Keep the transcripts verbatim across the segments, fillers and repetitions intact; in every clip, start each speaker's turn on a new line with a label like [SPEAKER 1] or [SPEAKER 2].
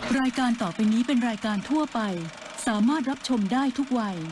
[SPEAKER 1] รายการต่อไปนี้เป็นรายการทั่วไปสามารถรับชมได้ทุกวัย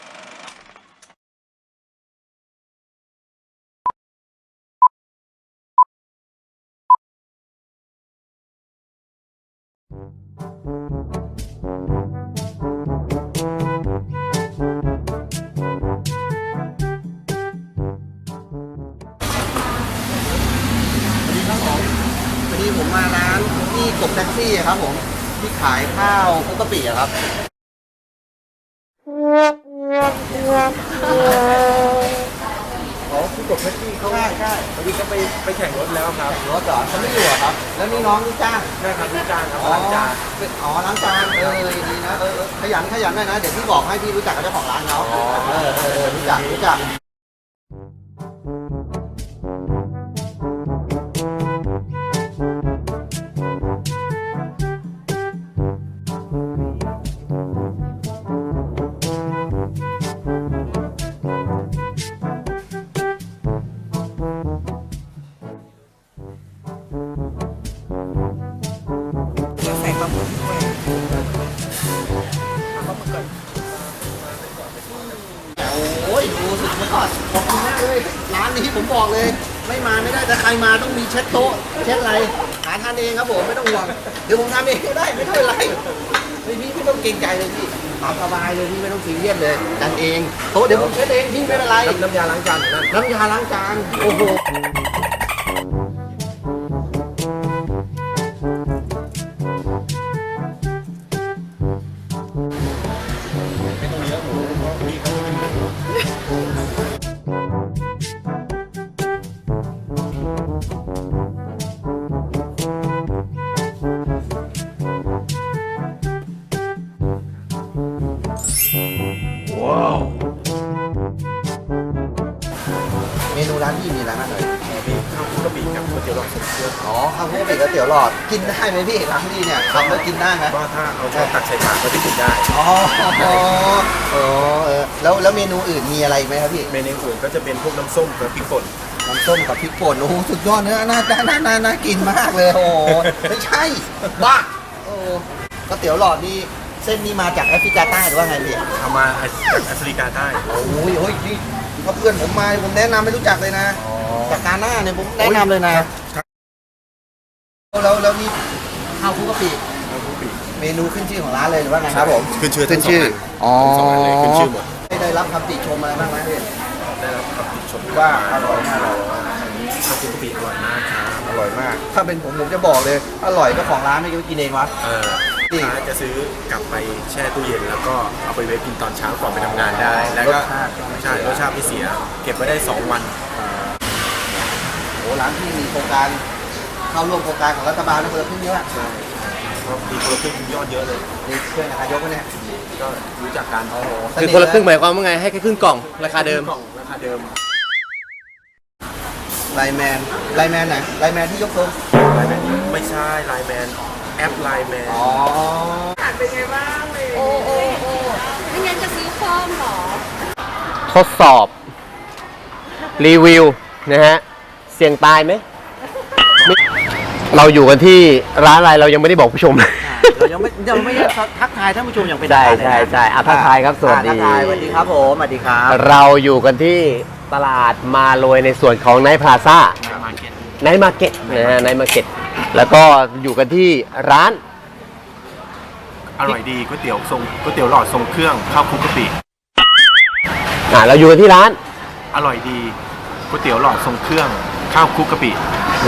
[SPEAKER 2] วันนี้ผมมาร้านที่กบแท็กซี่ครับผมที่ขายข้าวคุกกะปิครับอ๋อที่กบแท็กซี่เขาใช่ใช่วันนี้ก็ไปไปแข่งรถแล้วครับรถเหรอเขาไม่อยู่ครับแล้วนี่น้องนี่จ้างใช่ครับนี่จ้างครับล้างจานอ๋อล้างจานเออดีนะเออขยันขยันหน่อยนะเดี๋ยวพี่บอกให้พี่รู้จักกับเจ้าของร้านเขาเออเออรู้จักรู้จักใส่ปลาหมึกด้วยเอาปลาหมึกก่อนโอ้ยดูสุดยอดขอบคุณมากเลยร้านนี้ผมบอกเลยไม่มาไม่ได้แต่ใครมาต้องมีเช็ดโต๊ะเช็ดอะไรหาทานเองครับผมไม่ต้องห่วงเดี๋ยวผมทำเองก็ได้ไม่ต้องอะไรไม่พี่ไม่ต้องเกรงใจเลยพี่ตามสบายเลยพี่ไม่ต้องซีเรียสเลยดันเองโต๊ะเดี๋ยวผมเช็ดเองพี่ไม่เป็นไรน้ำยาล้างจานน้ำยาล้างจานโอ้โหเมนูร้านพี่มีอะไรบ้างเลยมีข้าวคลุกกะปิกับก๋วยเตี๋ยวหลอดสุดเยอะอ๋อข้าวคลุกกะปิก๋วยเตี๋ยวหลอดกินได้ไหมพี่ร้านพี่เนี่ยทำแล้วกินได้ไหมก็ถ้าเอาช้อนตักใส่ปากก็จะกินได้อ๋ออ๋อเออแล้วแล้วเมนูอื่นมีอะไรไหมครับพี่เมนูอื่นก็จะเป็นพวกน้ำส้มกับพริกป่นน้ำส้มกับพริกป่นโอ้สุดยอดเนื้อน่าน่าน่าน่ากินมากเลยโอ้ไม่ใช่บ้าโอ้ก๋วยเตี๋ยวหลอดนี่เส้นนี้มาจากแอฟริกาใต้หรือว่าไงพี่เอามาจากแอฟริกาใต้โอ้ยโอ้ยนี่ถ้าเพื่อนผมมาผมแนะนำไม่รู้จักเลยนะจากกาหน้าเนี่ยผมแนะนำเลยนะแล้วแล้วนี่ข้าวคลุกกะปิเมนูขึ้นชื่อของร้านเลยหรือว่าไงครับผมขึ้นชื่อขึ้นชื่ออ๋อสองอันเลยขึ้นชื่อหมดได้รับคำติชมอะไรบ้างไหมพี่ได้รับคำติชมว่าอร่อยมากข้าวคลุกกะปิอร่อยมากครับอร่อยมากถ้าเป็นผมผมจะบอกเลยอร่อยก็ของร้านไม่กินเองวะเออลูกค้าจะซื้อกลับไปแช่ตู้เย็นแล้วก็เอาไปไว้กินตอนเช้าก่อนไปทำงานได้แล้วก็ใช่รสชาติไม่เสียเก็บไว้ได้สองวันโอ้ร้านที่มีโครงการเข้าร่วมโครงการของรัฐบาลนะคนละครึ่งเยอะใช่มีคนละครึ่งยอดเยอะเลยนี่เพื่อนนายกเนี่ยก็รู้จักกันโอ้โห
[SPEAKER 3] คือคนละครึ่งหมายความว่าไงให้แค่ครึ่งกล่องราคาเดิม
[SPEAKER 2] กล่องราคาเดิมไลแมนไลแมนไหนไลแมนที่ยกทรงไลแมนไม่ใช่ไลแมนแอปไลแมนอ๋อเป็นไงบ้างเลย
[SPEAKER 4] โอ้โอ้โอ้ไม่งั้นจะซื้อเพิ่มหรอ
[SPEAKER 3] ทดสอบรีวิวนะฮะเสี่ยงตายไหมเราอยู่กันที่ร้านอะไรเรายังไม่ได้บอกผู้ชมเลย
[SPEAKER 2] เรายังไม่ยังไม่ทักทายท่านผู้ชมอย่างเป็น
[SPEAKER 3] ทางการใช่ใช่อ่ะทักทายครับสวัสดี
[SPEAKER 2] สวัสดีครับผมสวัสดีครับ
[SPEAKER 3] เราอยู่กันที่ตลาดมาโรยในส่วนของไนท์พลาซ่าไนท์มาร์เก็ตนะฮะไนท์มาร์เก็ตแล้วก็อยู่กันที่ร้าน
[SPEAKER 5] อร่อยดีก๋วยเตี๋ยวทรงก๋วยเตี๋ยวหลอดทรงเครื่องข้าวคลุกกะปิ
[SPEAKER 3] อ่าเราอยู่กันที่ร้าน
[SPEAKER 5] อร่อยดีก๋วยเตี๋ยวหลอดทรงเครื่องข้าวคลุกกะปิ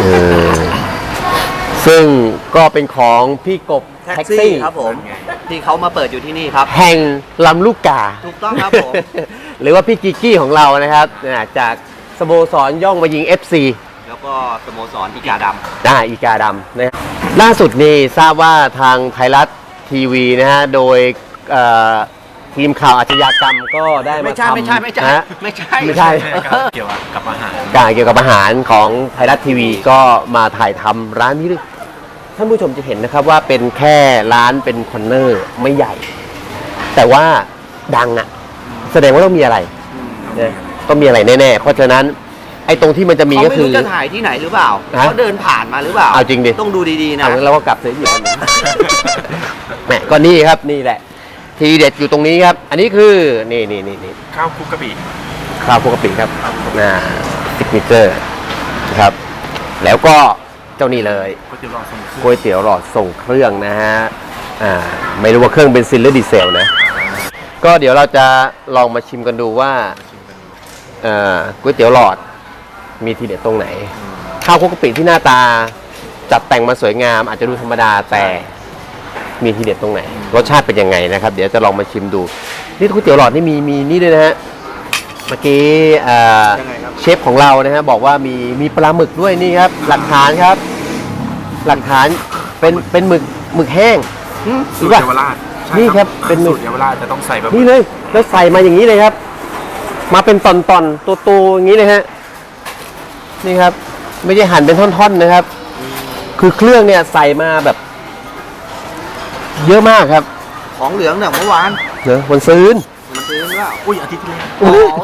[SPEAKER 3] ซึ่งก็เป็นของพี่กบ
[SPEAKER 2] แท็กซี่ครับผมที่เขามาเปิดอยู่ที่นี่ครับ
[SPEAKER 3] แห่งลำลูกกา
[SPEAKER 2] ถูกต้องครับผม
[SPEAKER 3] หรือว่าพี่กิกกี้ของเรานะครับจากสโมสรย่องมายิง เอฟ ซี
[SPEAKER 2] แล้วก็สโมสรอีกาดำ
[SPEAKER 3] ได้อีกาดำนะล่าสุดนี่ทราบว่าทางไทยรัฐทีวีนะฮะโดยทีมข่าวอาชญากรรมก็ได้มาทำ
[SPEAKER 2] ไม่ใช่ไม่ใช่ไม่ใช่ไม่ใช่
[SPEAKER 3] ไม่ใช่
[SPEAKER 5] เกี่ยวกับอาหาร
[SPEAKER 3] การเกี่ยวกับอาหารของไทยรัฐทีวีก็มาถ่ายทำร้านนี้ด้วยท่านผู้ชมจะเห็นนะครับว่าเป็นแค่ร้านเป็นคอนเนอร์ไม่ใหญ่แต่ว่าดังอ่ะแสดงว่าต้องมีอะไรนะต้องมีอะไรแน่ๆเพราะฉะนั้นไออ้ตรงที่มันจะมี
[SPEAKER 2] เขา
[SPEAKER 3] ก็
[SPEAKER 2] ไม่
[SPEAKER 3] คือ
[SPEAKER 2] รู้จะถ่ายที่ไหนหรือเปล่า
[SPEAKER 3] ฮะ
[SPEAKER 2] เขาเดินผ่านมาหรือเปล่า
[SPEAKER 3] เอาจริงดิ
[SPEAKER 2] ต้องดูดีๆนะ
[SPEAKER 3] เอางั้นเราก็กลับเสียอยู่ตรงนี้ แหมก็นี่ครับนี่แหละ ทีเด็ดอยู่ตรงนี้ครับ อันนี้คือนี่นี่นี่นี่
[SPEAKER 5] ข้าวคลุกกะปิ
[SPEAKER 3] ข้าวปกติครับน่าซิกเนเจอร์ครับ แล้วก็เจ้านี่เลย
[SPEAKER 5] ก๋วยเตี๋ยวหลอดทรงเครื่อง
[SPEAKER 3] ก๋วยเตี๋ยวหลอดส่งเครื่องนะฮะอ่าไม่รู้ว่าเครื่องเบนซินหรือดีเซลนะ ก็เดี๋ยวเราจะลองมาชิมกันดูว่าเอ่อก๋วยเตี๋ยวหลอดมีทีเด็ดตรงไหน ข้าวคลุกกะปิที่หน้าตาจัดแต่งมาสวยงาม อาจจะดูธรรมดาแต่มีทีเด็ดตรงไหน รสชาติเป็นยังไงนะครับ เดี๋ยวจะลองมาชิมดู นี่ก๋วยเตี๋ยวหลอดนี่มีมีนี่ด้วยนะฮะเมื่อกี้เอ่อเชฟของเรานะฮะบอกว่ามีมีปลาหมึกด้วยนี่ครับ หลักฐานครับ หลักฐานเป็นเป็นหมึกหมึกแห้ง
[SPEAKER 5] สูตรเยาวราชใช่
[SPEAKER 3] นี่ครับเป็นหมึ
[SPEAKER 5] สู
[SPEAKER 3] ก
[SPEAKER 5] ตรเยาวราชจะต้องใส่แบบ
[SPEAKER 3] นี่เลยแล้วใส่มาอย่างนี้เลยครับ มาเป็นตอนๆตัวๆอย่างนี้เลยฮะนี่ครับ ไม่ใช่หั่นเป็นท่อนๆนะครับ คือเครื่องเนี่ยใส่มาแบบ เยอะมากครับ
[SPEAKER 2] ของเหลืองเนี่ยเมื่อวาน
[SPEAKER 3] เนอะวันซื้น
[SPEAKER 2] มันซื้อหรือเปล่า
[SPEAKER 5] อุ้ยอาทิตย์ที่แล้ว
[SPEAKER 2] โอ้ย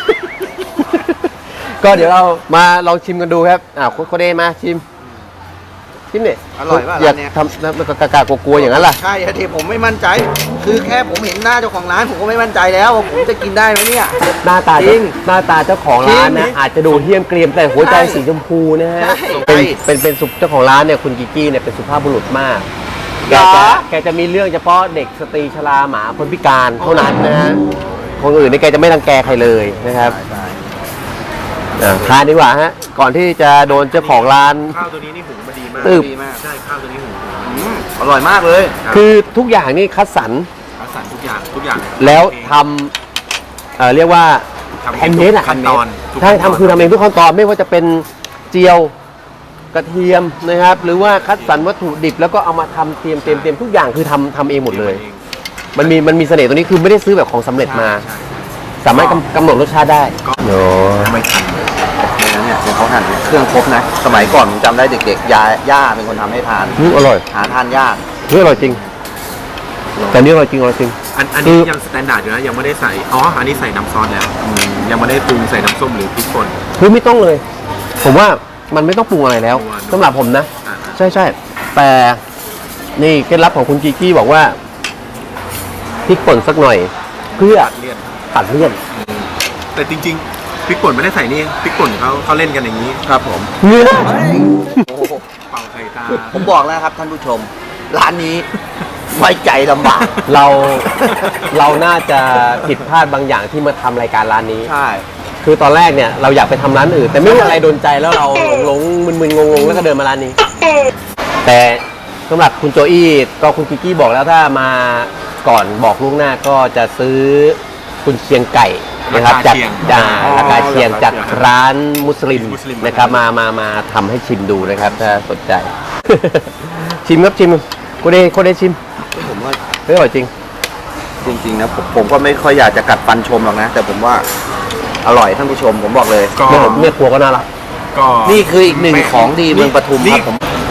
[SPEAKER 3] ก็เดี๋ยวเรามาลองชิมกันดูครับอ่าโคเดมาชิมชิมเนี่ย
[SPEAKER 2] อร่อยป่ะ
[SPEAKER 3] อย่า
[SPEAKER 2] ร้านเนี้ย
[SPEAKER 3] ทำแล้วมันก็กากๆกลัวๆอย่างนั้นล่ะ
[SPEAKER 2] ใช่ทีผมไม่มั่นใจ คือแค่ผมเห็นหน้าเจ้าของร้านผมก็ไม่มั่นใจแล้วว่าผมจะกินได้ไหมเนี่ย
[SPEAKER 3] หน้าตา
[SPEAKER 2] จริง
[SPEAKER 3] หน้าตาเจ้าของร้าน
[SPEAKER 2] จริ
[SPEAKER 3] นะ
[SPEAKER 2] ง
[SPEAKER 3] อาจจะดูเฮี้ยมเกรียมแต่หัวใจ
[SPEAKER 2] ใช่
[SPEAKER 3] สีชมพูนะฮะ
[SPEAKER 2] ใช่
[SPEAKER 3] เป็นเป็นเป็นสุเจ้าของร้านเนี่ยคุณกิกกี้เนี่ยเป็นสุภาพบุรุษมาก แก
[SPEAKER 2] เหร
[SPEAKER 3] จะ
[SPEAKER 2] อ
[SPEAKER 3] แกจะมีเรื่องเฉพาะเด็กสตรีชราหมาคนพิการเท่านั้นนะฮะคนอื่นนี่แกจะไม่รังแกใครเลยนะครับอ่ะทานดีกว่าฮะก่อนที่จะโดนเจ้าของร้าน
[SPEAKER 5] ข้าวตัวนี้นี่หุงมาดีมาก
[SPEAKER 3] ตึบ
[SPEAKER 2] ดีมาก
[SPEAKER 5] ใช่ข้าวตัวนี้หุง
[SPEAKER 2] อืมอร่อยมากเลย
[SPEAKER 3] คือทุกอย่างนี่คัดสรร
[SPEAKER 5] คัดสรรทุกอย่างทุกอย่าง
[SPEAKER 3] แล้วทำเอ่อเรียกว่า
[SPEAKER 5] ทำ
[SPEAKER 3] แฮนด์เมดอะ
[SPEAKER 5] ขั้นตอนทุก
[SPEAKER 3] ใช่
[SPEAKER 5] ขั้นตน
[SPEAKER 3] ทำคือทำเองทุกขั้นตอนไม่ว่าจะเป็นเจียวกระเทียมนะครับ หรือว่าคัดสรรวัตถุดิบแล้วก็เอามาทำเตรียมเตรียมเตรียมทุกอย่างคือทำทำเองหมดเลย มันมีมันมีเสน่ห์ตรงนี้คือไม่ได้ซื้อแบบของสำเร็จมา
[SPEAKER 5] ใช่
[SPEAKER 3] สามารถกำกำหนดรสชาติได้
[SPEAKER 5] ก็
[SPEAKER 3] โอ้
[SPEAKER 5] ไม่ทันเลย
[SPEAKER 2] เนี่ยเนี่ยเดี๋ยวเขาหั่นเครื่องครบนะ สมัยก่อนผมจำได้เด็กๆยาย่าเป็นคนทำให้ทาน
[SPEAKER 3] อืมอร่อย
[SPEAKER 2] หาทานยาก
[SPEAKER 3] เฮ้ยอร่อยจริง แต่นี่อร่อยจริงอร่อยจริง
[SPEAKER 5] อันอัน
[SPEAKER 3] คื
[SPEAKER 5] นี้
[SPEAKER 3] อ
[SPEAKER 5] ยังสแตนดาร์ดอยู่นะยังไม่ได้ใส่อ๋ออันนี้ใส่น้ำซอสแล้วยังไม่ได้ปรุงใส่น้ำส้มหรือพริกป่น
[SPEAKER 3] คือไม่ต้องเลย ผมว่ามันไม่ต้องปรุงอะไรแล้ว
[SPEAKER 5] ปรุงอะไร
[SPEAKER 3] สำหรับผมนะ
[SPEAKER 5] อ่า
[SPEAKER 3] ใช่ใช่แต่นี่เคล็ดลับของคุณกิกกี้บอกว่าพริกป่นสักหน่อย เพื่อ
[SPEAKER 5] เลี่ยน
[SPEAKER 3] ตัดเลี่ยน
[SPEAKER 5] แต่จริงๆพริกป่นไม่ได้ใส่นี่พริกป่นเขาเขาเล่นกันอย่างนี้
[SPEAKER 2] ครับผม
[SPEAKER 3] เนื้อ
[SPEAKER 2] โอ้โห
[SPEAKER 5] เป่าไข่ตา
[SPEAKER 2] ผมบอกแล้วครับท่านผู้ชม ร้านนี้ไว้ใจลำบาก
[SPEAKER 3] เราเราน่าจะผิดพลาดบางอย่างที่มาทำรายการร้านนี้
[SPEAKER 2] ใช่
[SPEAKER 3] คือตอนแรกเนี่ยเราอยากไปทำร้านอื่น แต่ไม่รู้อะไรโดนใจแล้วเราหลงๆมึนๆงงๆแล้วก็เดินมาร้านนี้ แต่สำหรับคุณโจอี้ก็คุณกิกกี้บอกแล้วถ้ามาก่อนบอกล่วงหน้าก็จะซื้อคุณเชียงไก่นะครับจากอ่าราคาเชียงจากร้านมุสลิมนะครับมามามาทำให้ชิมดูนะครับ ถ้าสนใจ ชิมครับชิมโคเดโคเดชิม
[SPEAKER 2] ผมว่า
[SPEAKER 3] เฮ้ยอร่อยจริง
[SPEAKER 2] จริงๆนะผมผมก็ไม่ค่อยอยากจะกัดฟันชมหรอกนะ แต่ผมว่าอร่อยท่านผู้ชมผมบอกเลย
[SPEAKER 5] ก็
[SPEAKER 3] แม่แม่ครัวก็น่ารัก
[SPEAKER 5] ก็
[SPEAKER 2] นี่คืออีกหนึ่งของดีเมืองปทุมครับผม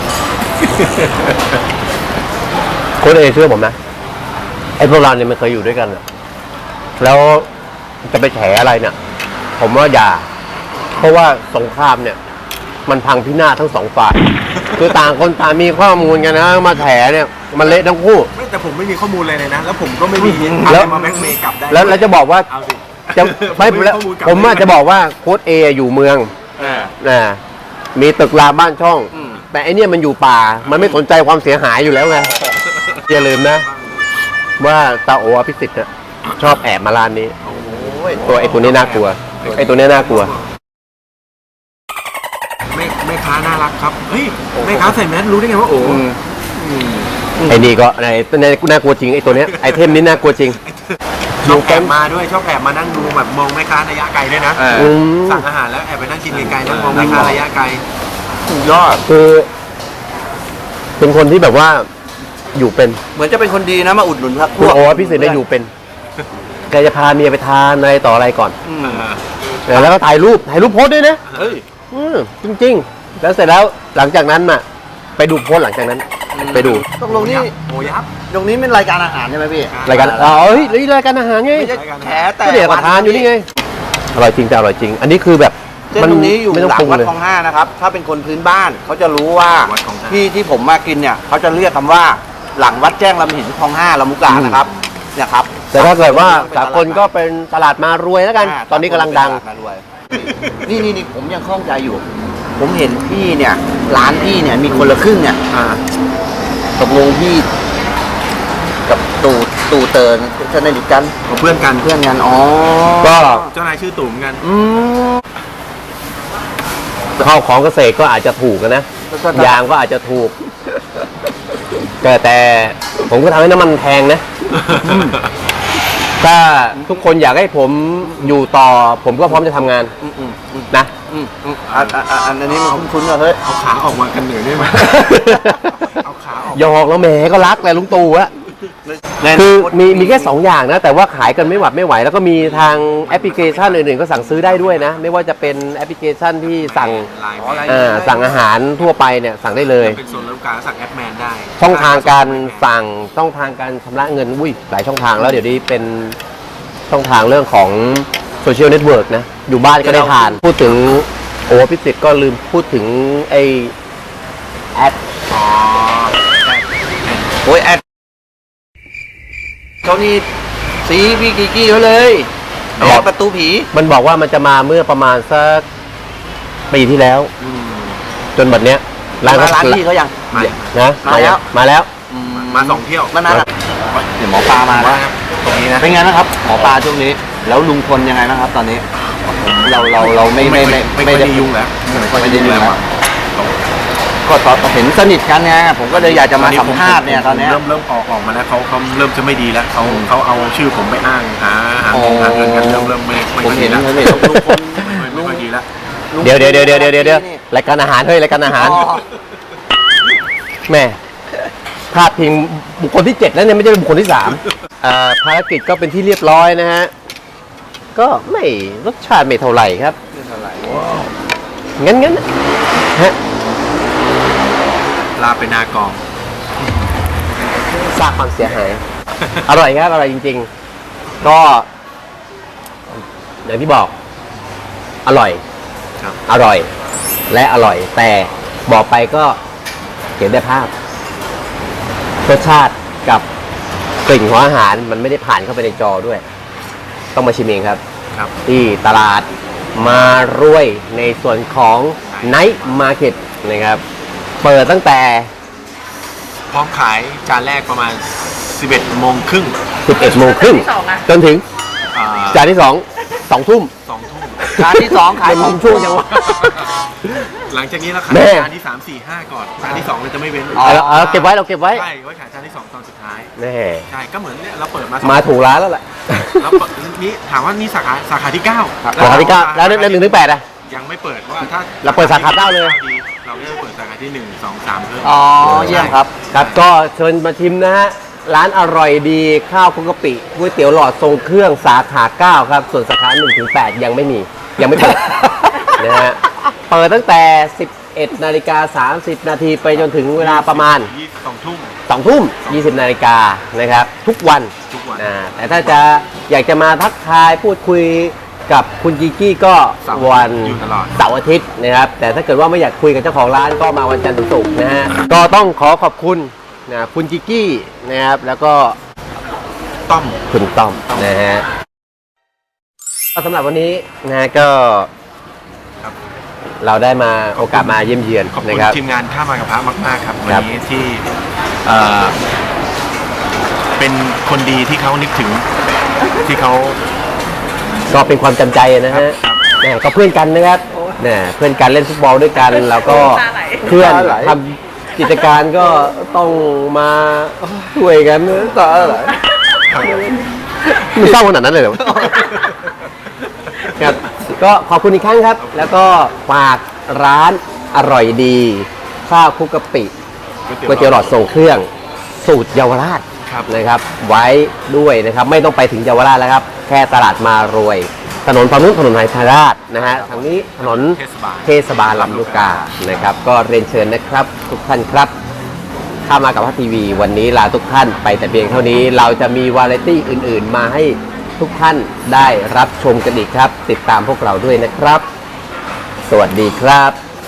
[SPEAKER 3] โค้ชเอเชื่อผมนะไอ้พวกเราเนี่ยมันเคยอยู่ด้วยกันอะแล้วจะไปแฉอะไรเนี่ย ผมว่าอย่า เพราะว่าสงครามเนี่ย มันพังพินาศทั้งสองฝ่าย คือต่างคนต่างมีข้อมูลกันนะมาแฉเนี่ยมันเละทั้งคู่
[SPEAKER 5] ไม่แต่ผมไม่มีข้อมูลเลยเลยนะ แล้วผมก็ไม่มี
[SPEAKER 3] แล้
[SPEAKER 5] อะ
[SPEAKER 3] ว
[SPEAKER 5] ไรมาแบ็กเมย์กลับได้
[SPEAKER 3] แล้วแล้วจะบอกว่า
[SPEAKER 5] เอาสิ
[SPEAKER 3] จะไม่
[SPEAKER 5] ผ
[SPEAKER 3] แล้ว
[SPEAKER 5] ข้อลกลับ
[SPEAKER 3] ผมว่า
[SPEAKER 5] ได้
[SPEAKER 3] จะบอกว่าโค้ชเออยู่เมือง
[SPEAKER 5] อ่า
[SPEAKER 3] นะมีตึกรามบ้านช่อง
[SPEAKER 2] อืม
[SPEAKER 3] แต่ไอเนี่ยมันอยู่ป่า มันไม่สนใจความเสียหายอยู่แล้วไงอย่าลืมนะ ว่าตาโออภิสิทธิ์น่ะชอบแอบมาร้านนี้
[SPEAKER 2] โอ้ย
[SPEAKER 3] ตัวไอตัวนี้น่ากลัว ไอตัวนี้น่ากลัว
[SPEAKER 5] แม่แม่ค้าน่ารักครับเฮ้ยแม่ค้าใส่แมสรู้ได้ไงว่าโอ้
[SPEAKER 2] อืม
[SPEAKER 3] ไอ้นี่ก็ไอ้ตัวนี้น่ากลัวจริงไอ้ตัวเนี้ยไอเทมนี้น่ากลัวจริง
[SPEAKER 5] ชอบแอบมาด้วยชอบแอบมานั่งดูแบบมองแม่ค้าระยะไกลด้วยนะ
[SPEAKER 2] เออ
[SPEAKER 3] อืม
[SPEAKER 5] สั่งอาหารแล้วแอบไปนั่งกินไกลๆนั่งมองแม่ค้าระยะไกล
[SPEAKER 2] สุดยอด
[SPEAKER 3] คือ เป็นคนที่แบบว่าอยู่เป็น
[SPEAKER 2] เหมือนจะเป็นคนดีนะมาอุดหนุนครับพ
[SPEAKER 3] คุณ
[SPEAKER 2] วก
[SPEAKER 3] โออภิสิทธิ์ได้อยู่เป็นแกจะพาเมียไปทานอะไรต่ออะไรก่อน
[SPEAKER 2] อืม
[SPEAKER 5] เออ
[SPEAKER 3] แล้วก็ถ่ายรูปถ่ายรูปโพสต์ด้วยนะ
[SPEAKER 2] เฮ้ย
[SPEAKER 3] อืมจริงๆ แล้วเสร็จแล้วหลังจากนั้นน่ะ ไปดูโพสต์หลังจากนั้น ไปดู
[SPEAKER 2] ตกลงนี่
[SPEAKER 5] โอ้ยับ
[SPEAKER 2] ตรงนี้เป็นรายการอาหารใช่ไหมพี่
[SPEAKER 3] รายการอ๋อเฮ้ยรายการอาหารไง
[SPEAKER 2] ไม่ใช่แฉแต่
[SPEAKER 3] ก็เดี๋ยวก็ทานอยู่นี่ไงอร่อยจริงแต่อร่อยจริง อันนี้คือแบบ
[SPEAKER 2] เส้นตรงนี้อยู่หลังวัดคลองห้านะครับ ถ้าเป็นคนพื้นบ้านเขาจะรู้ว่าที่ที่ผมมากินเนี่ยเขาจะเรียกคำว่าหลังวัดแจ้งลำหินคลองห้าลำมุกานะครับเนี่ยครับ
[SPEAKER 3] แต่ถ้าเกิดว่าสากลก็เป็นตลาดมารวยแล้วกัน ตอนนี้กำลังดัง
[SPEAKER 2] นี่นี่นี่ผมยังคล่องใจอยู่ ผมเห็นพี่เนี่ยร้านพี่เนี่ยมีคนละครึ่งเนี่ยตกลงพี่กับตู่ตู่เติร์นสนิทกัน
[SPEAKER 5] เพื่อนกัน
[SPEAKER 2] เพื่อนกันอ๋อ
[SPEAKER 3] ก็
[SPEAKER 5] เจ้านายชื่อตู่เหมือนกัน
[SPEAKER 2] อืม
[SPEAKER 3] ข้าวของเกษตรก็อาจจะถูกนะ ยางก็อาจจะถูก แต่แต่ผมก็ทำให้น้ำมันแพงนะ ถ้าทุกคนอยากให้ผมอยู่ต่อ ผมก็พร้อมจะทำงาน
[SPEAKER 2] อืมอืมอืม
[SPEAKER 3] นะ
[SPEAKER 2] อืมอืมอันอันอันอันนี้มันคุ้นๆว่าเฮ้ย
[SPEAKER 5] เอาขาออกมากันเหนื่อยได้ไหม เอาขาออก
[SPEAKER 3] หยอกแล้วแหมก็รักแหละลุงตู่อะคือมีมีแค่สองอย่างนะ แต่ว่าขายกันไม่หวัดไม่ไหว แล้วก็มีทางแอปพลิเคชันอื่นๆก็สั่งซื้อได้ด้วยนะ ไม่ว่าจะเป็นแอปพลิเคชันที่สั่ง
[SPEAKER 5] ไลน์
[SPEAKER 3] เอ่อสั่งอาหารทั่วไปเนี่ยสั่งได้เลย
[SPEAKER 5] เป็นส่วนลดการสั่งแอปแมนได้
[SPEAKER 3] ช่องทางการสั่งช่องทางการชำระเงินอุ้ยหลายช่องทางแล้วเดี๋ยวนี้เป็นช่องทางเรื่องของโซเชียลเน็ตเวิร์กนะ อยู่บ้านก็ได้ทาน พูดถึงโอ้พิสิทธิ์ก็ลืมพูดถึงไอแอด
[SPEAKER 5] อ๋อ
[SPEAKER 2] โอ้ยแอดเขานี่สีพี่กิกกี้เขาเลยแอดประตูผี
[SPEAKER 3] มันบอกว่ามันจะมาเมื่อประมาณสักปีที่แล้ว จนบัดเนี้ย
[SPEAKER 2] ร้าน
[SPEAKER 3] ก็
[SPEAKER 2] ร้านพี่เขายัง
[SPEAKER 5] มา
[SPEAKER 3] นะ
[SPEAKER 2] มาแล้ว
[SPEAKER 3] มาแล้ว
[SPEAKER 5] มาสองเที่ยว
[SPEAKER 2] มานานแล้วเดี๋ยวหมอปลามาแล้ว
[SPEAKER 5] ตรงนี้นะ
[SPEAKER 2] เป็นไงนะครับ หมอปลาช่วงนี้ แล้วลุงพลยังไงนะครับ ตอนนี้ เราเราเราไม่ไม่ไม่
[SPEAKER 5] ไม่ได้ยุ่งแล้ว
[SPEAKER 2] ไม่ได้ยุ่งแล้วก็ตอนเห็นสนิทกันไงผมก็เลยอยากจะมาสัมภาษณ์เนี่ยตอนเนี้ย
[SPEAKER 5] เริ่มเริ่มออกออกมาแล้วเขาเขาเริ่มจะไม่ดีแล้วเขาเขาเอาชื่อผมไปอ้างหาหา
[SPEAKER 2] อ๋อ
[SPEAKER 5] หาเงินกันเริ่มเริ่มไม่ไม่
[SPEAKER 2] ผม
[SPEAKER 5] ค่อย
[SPEAKER 2] เห็
[SPEAKER 5] ดี
[SPEAKER 2] น
[SPEAKER 5] แล้ว
[SPEAKER 2] ผมเห็นลุงพล
[SPEAKER 5] ไม่ค่อยดีแล้ว
[SPEAKER 3] เดี๋ยวเดี๋ยวเดี๋ยวเดี๋ยวเดี๋ยวเดี๋ยวรายการอาหารเฮ้ยรายการอาหาร
[SPEAKER 2] อ๋อ
[SPEAKER 3] แม่พาดพิงบุคคลที่เจ็ดแล้วเนี่ยไม่ใช่บุคคลที่สามอ่าภารกิจก็เป็นที่เรียบร้อยนะฮะ ก็ไม่รสชาติไม่เท่าไหร่ครับงั้นงั้นฮะ
[SPEAKER 5] ลาไปนากอง
[SPEAKER 3] สร้างความเสียหาย อร่อยครับอร่อยจริงๆ ก็อย่างที่บอก อร่อย
[SPEAKER 5] ครับ
[SPEAKER 3] อร่อย และอร่อย แต่บอกไปก็เห็นได้ภาพรสชาติกับกลิ่นของอาหารมันไม่ได้ผ่านเข้าไปในจอด้วย ต้องมาชิมเองครับ
[SPEAKER 5] ครับ
[SPEAKER 3] ที่ตลาดมารวยในส่วนของ Night Market นะครับ เปิดตั้งแต่
[SPEAKER 5] พร้อมขายจานแรกประมาณ สิบเอ็ดโมงครึ่ง
[SPEAKER 3] สิบเอ็ดโมงครึ่งจนถึง
[SPEAKER 5] อ่า
[SPEAKER 3] จานที่สอง สองทุ่ม
[SPEAKER 5] สองทุ่ม
[SPEAKER 2] จานที่สองขาย
[SPEAKER 3] เป็น
[SPEAKER 2] ของ
[SPEAKER 3] ช่วงจังหวะ
[SPEAKER 5] หลังจากนี้เราขาย
[SPEAKER 3] แม่
[SPEAKER 5] จานที่สามสี่ห้าก่อนจานที่สองเราจะไม่เว้น
[SPEAKER 3] เอาเอาเก็บไว้เราเก็บไว้
[SPEAKER 5] ใช่ไว้ขายจานที่สองตอนสุดท้าย
[SPEAKER 3] แน่
[SPEAKER 5] ใช่ก็เหมือนเนี่ยเราเปิดมาสอง
[SPEAKER 3] มาถูกร้านแล้วแหละ
[SPEAKER 5] แล้วเปิดนี่ถามว่านี่สาขาสาขาที่เก้า
[SPEAKER 3] สาขาที่เก้าแล้วแล้วหนึ่งถึงแปดอะ
[SPEAKER 5] ยังไม่เปิดว่าถ้า
[SPEAKER 3] เราเปิดสาขาเก้าเลย
[SPEAKER 5] ดีเราก็จะเปิดสาขาที่หนึ่งสองสามเพิ่ม
[SPEAKER 2] อ๋อเยี่ยมครับ
[SPEAKER 3] ครับก็เชิญมาชิมนะฮะ ร้านอร่อยดีข้าวคลุกกะปิก๋วยเตี๋ยวหลอดทรงเครื่องสาขาเก้าครับ ส่วนสาขาหนึ่งถึงแปดยังไม่มี ยังไม่เปิด นะฮะ เปิดตั้งแต่ สิบเอ็ดนาฬิกาสามสิบนาทีไปจนถึงเวลาประมาณ
[SPEAKER 5] ยี่สิบสองทุ่ม
[SPEAKER 3] สองทุ่มยี่สิบนาฬิกานะครับ ทุกวัน
[SPEAKER 5] ทุกวัน
[SPEAKER 3] อ่าแต่ถ้าจะอยากจะมาทักทายพูดคุยกับคุณกิกกี้ก็วัน
[SPEAKER 5] อยู่ตลอด
[SPEAKER 3] เสาร์อาทิตย์นะครับ แต่ถ้าเกิดว่าไม่อยากคุยกับเจ้าของร้านก็มาวันจันทร์ถึงศุกร์นะฮะ ก็ต้องขอขอบคุณนะคุณกิกกี้นะครับ แล้วก็
[SPEAKER 5] ต้อม
[SPEAKER 3] คุณต้อมนะฮะก็สำหรับวันนี้นะก็
[SPEAKER 5] ครับ
[SPEAKER 3] เราได้มาโอกาสมาเยี่ยมเยือน
[SPEAKER 5] ขอบคุ
[SPEAKER 3] นะ
[SPEAKER 5] ณ
[SPEAKER 3] ครับ
[SPEAKER 5] ทีมงานข้ามากระพะมากๆครับวัน
[SPEAKER 3] ครับ
[SPEAKER 5] นี้ที่เอ่อเป็นคนดีที่เขานึกถึงที่เขา
[SPEAKER 3] ก็เป็นความจำใจนะฮะ
[SPEAKER 5] ครับ
[SPEAKER 3] นะก็เพื่อนกันนะครับนะเพื่อนกันเล่นฟุตบอลด้วยกัน แล้วก็เพื่อนทำกิจการก็ต้องมาช่วยกันต่ออะไรมันเศร้าขนาดนั้นเลยเหรอ ครับก็ขอบคุณอีกครั้งครับ แล้วก็ฝากร้านอร่อยดีข้าวคลุกกะปิก๋วยเตี๋ยวหลอดทรงเครื่องสูตรเยาวราช
[SPEAKER 5] ครับ
[SPEAKER 3] นะครับ ไว้ด้วยนะครับ ไม่ต้องไปถึงเยาวราชแล้วครับ แค่ตลาดมารวย ถนนฝั่งนู้นถนนไหทาราชนะฮะทางนี้ถนน
[SPEAKER 5] เทศบาล
[SPEAKER 3] เทศบาลลำลูกกานะครับ ก็เรียนเชิญนะครับ ทุกท่านครับเข้ามากับพัททีวีวันนี้ลาทุกท่านไปแต่เพียงเท่านี้เราจะมีวาไรตี้อื่นๆ มาให้ทุกท่านได้รับชมกันอีกครับ ติดตามพวกเราด้วยนะครับสวัสดีครับ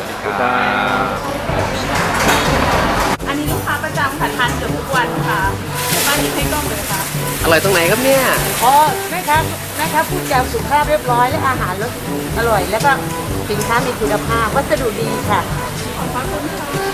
[SPEAKER 4] อันนี้ลูกค้าประจำค่ะทานเกือบทุกวันค่ะบ้านนี้ให้กล้องเลยค่ะ
[SPEAKER 3] อร่อยตรงไหนครับเนี่ย
[SPEAKER 6] อ๋อแม่ค้าแม่ค้าพูดจาสุภาพเรียบร้อยและอาหารรสอร่อย แล้วก็สินค้ามีคุณภาพวัสดุดีค่ะ
[SPEAKER 4] ขอบคุณค่ะ